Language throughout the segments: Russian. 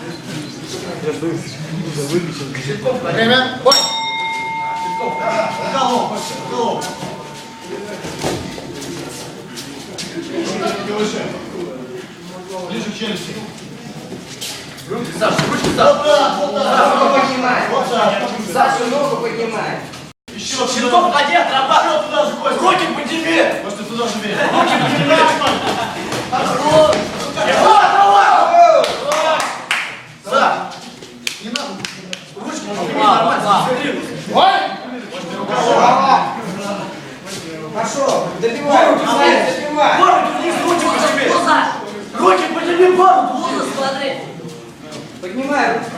Время. Бой. Голов. Ближе к челюсти. Саша, ручки, Саша. Вот так. Ногу поднимай. Вот так. Саша, ногу поднимай. Еще Щитков ходи, отрабатывай. Еще туда же, Костя. Руки подними. Может, ты туда же бей. Руки подними. Хорошо. Давай. Саш. Не надо. Ручки подними, нормально. Бой. Пошел, добивай, добивай. Бороду вниз, руки подними. Руки подними, бороду. Поднимай руки.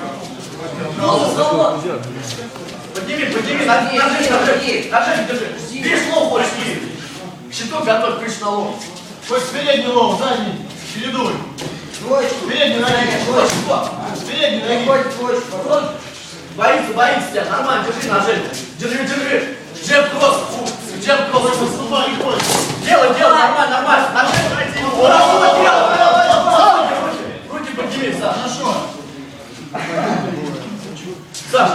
Подними, ножи, держи. Бей лоб, почти. Щиток готовь, прыщ на лоб. Кость, передний лоб, задний. Чередуй. Двоечку. Передний ноги. Передний ноги. Приходит двоечку. Боится тебя, нормально, держи ножи. Держи. Джеб кросс, джеб кросс. Наступай, не хочешь. Делай, нормально. Ножи пройти. Руки подними, Саш. Хорошо. Саш.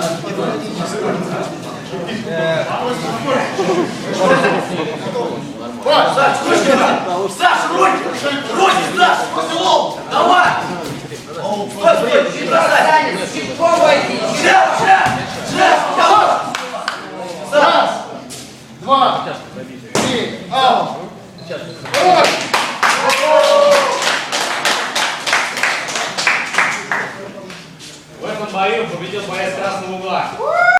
Саш, руки, Саш, после лоб. Давай. Стой, не бросай. Танец, щитком войди. Джеб, давай. Раз. Два. Три. Аут. Бой. В этом бою победил боец красного угла.